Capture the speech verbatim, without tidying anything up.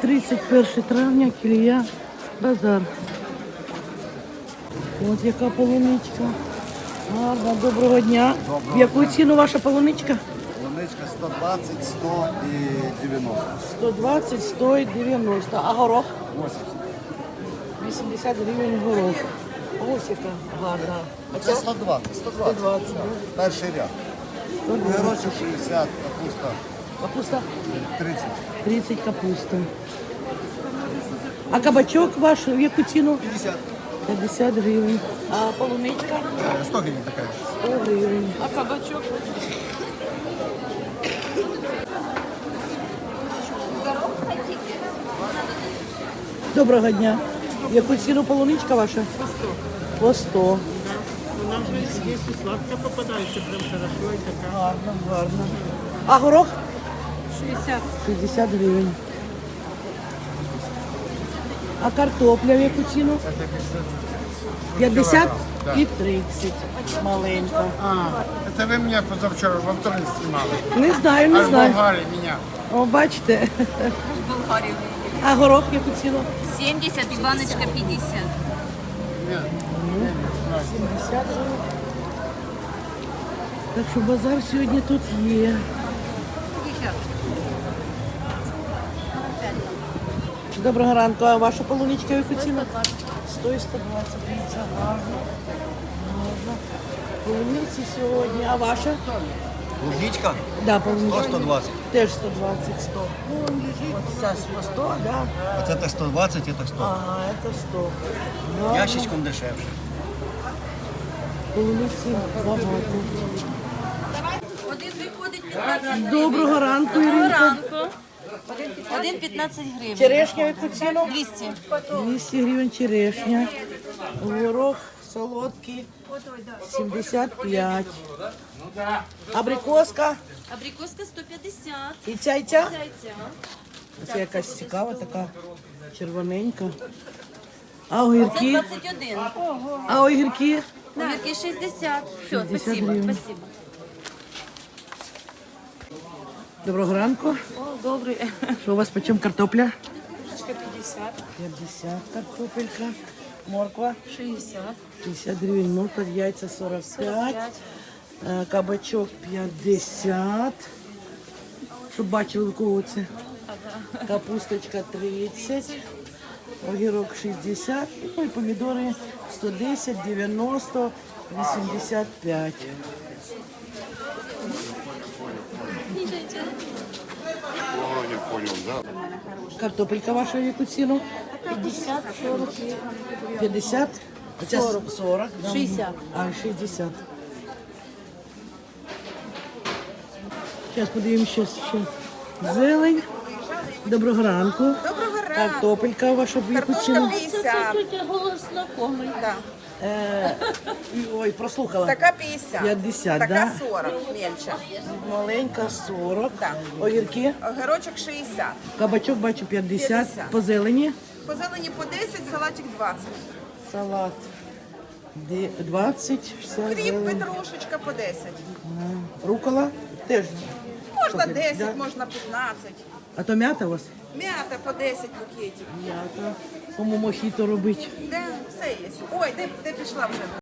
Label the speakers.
Speaker 1: тридцять перше травня, Кілія, базар. От яка полуничка. Гарна, доброго дня.
Speaker 2: Доброго
Speaker 1: В яку
Speaker 2: дня.
Speaker 1: ціну ваша полуничка?
Speaker 2: Луничка сто двадцять, сто і дев'яносто.
Speaker 1: сто двадцять, сто і дев'яносто. А горох?
Speaker 2: вісімдесят.
Speaker 1: вісімдесят гривень горох. Ось яка гарна. А
Speaker 2: Це сто двадцять. сто двадцять.
Speaker 1: сто двадцять.
Speaker 2: Перший ряд. Герочок шістдесят, капуста
Speaker 1: Капуста
Speaker 2: тридцять.
Speaker 1: тридцять капуста. А кабачок ваш в яку ціну?
Speaker 2: п'ятдесят.
Speaker 1: п'ятдесят гривень. А полуничка?
Speaker 2: сто гривень така.
Speaker 1: сто гривень.
Speaker 3: А кабачок?
Speaker 1: Доброго дня. В яку ціну полуничка ваша?
Speaker 3: По сто.
Speaker 1: По сто.
Speaker 3: Вона вже є і сладка попадається, прям хорошо і така.
Speaker 1: Гарно, гарно. А горох?
Speaker 3: шістдесят.
Speaker 1: шістдесят гривень. А картопля в яку ціну? п'ятдесят і тридцять. Маленька.
Speaker 4: А, это вы меня позавчера во вторник снимали.
Speaker 1: Не знаю, не
Speaker 4: А в
Speaker 1: знаю.
Speaker 4: Болгарии меня.
Speaker 1: О, бачите.
Speaker 5: Болгарию.
Speaker 1: А горох в яку ціну?
Speaker 5: семьдесят и баночка пятьдесят.
Speaker 4: Нет.
Speaker 1: сімдесят гривень. Так що базар сьогодні тут є. Доброго ранку. А ваша полуничка в яку ціну? сто і сто двадцять. Дивіться, гарно. Гарно. Полуниці сьогодні. А ваша?
Speaker 2: Луничка
Speaker 1: Да, полуничка.
Speaker 2: сто двадцять.
Speaker 1: Теж сто двадцять, сто. От ця по сто, да?
Speaker 2: Оце так сто двадцять, це сто.
Speaker 1: Ага, це сто. Гарно.
Speaker 2: Ящичком дешевше.
Speaker 1: Полуниці багато.
Speaker 5: Один виходить п'ятнадцять.
Speaker 1: Доброго ранку,
Speaker 5: Доброго
Speaker 1: Іринка.
Speaker 5: ранку. Один п'ятнадцять гривень.
Speaker 1: Черешня в яку ціну?
Speaker 5: двісті.
Speaker 1: двісті гривень черешня. Горох солодкий сімдесят п'ять. Абрикоска.
Speaker 5: Абрикоска сто п'ятдесят.
Speaker 1: І ця, і ця?
Speaker 5: Яйця.
Speaker 1: Це якась цікава, така червоненька. А
Speaker 5: Це
Speaker 1: огірки?
Speaker 5: двадцять один.
Speaker 1: А огірки?
Speaker 5: Огірки шістдесят. Все,
Speaker 1: шістдесят
Speaker 5: спасибо,
Speaker 1: гривень.
Speaker 5: спасибо.
Speaker 1: Доброго ранку.
Speaker 5: О, добрий.
Speaker 1: Що у вас почем картопля?
Speaker 3: п'ятдесят.
Speaker 1: п'ятдесят картопелька. Морква?
Speaker 5: шістдесят.
Speaker 1: п'ятдесят гривень, морква, яйця сорок п'ять. Е, Кабачок п'ятдесят. Щоб бачили, у кого це. Капусточка тридцять. Огірок шістдесят. Ну і помідори сто десять, дев'яносто, вісімдесят п'ять. Картопелька ваша в яку ціну?
Speaker 5: п'ятдесят, сорок.
Speaker 1: п'ятдесят? Оця
Speaker 5: сорок.
Speaker 1: сорок. да.
Speaker 5: шістдесят.
Speaker 1: А, шістдесят. Зараз подивимося ще, ще зелень. Доброго ранку.
Speaker 6: Доброго ранку.
Speaker 1: Картопелька ваша в яку
Speaker 6: Картошка
Speaker 1: ціну?
Speaker 6: п'ятдесят.
Speaker 5: голос знакомий.
Speaker 6: Да.
Speaker 1: Е, ой, прослухала.
Speaker 6: Така п'ятдесят.
Speaker 1: п'ятдесят,
Speaker 6: Така
Speaker 1: да?
Speaker 6: сорок, мельча.
Speaker 1: Маленька сорок.
Speaker 6: Так.
Speaker 1: Огірки.
Speaker 6: Огірочок шістдесят.
Speaker 1: Кабачок бачу п'ятдесят.
Speaker 6: п'ятдесят.
Speaker 1: По зелені.
Speaker 6: По зелені по десять, салатик двадцять.
Speaker 1: Салат. Де- двадцять. Вся
Speaker 6: Кріп,
Speaker 1: зелень.
Speaker 6: петрушечка по десять.
Speaker 1: Рукола теж.
Speaker 6: Можна
Speaker 1: Слухай,
Speaker 6: десять,
Speaker 1: да?
Speaker 6: можна п'ятнадцять.
Speaker 1: А то м'ята у вас?
Speaker 6: М'ята по десять букетів.
Speaker 1: М'ята. Кому мохіто робить?
Speaker 6: Де все є. Ой, де, де пішла вже?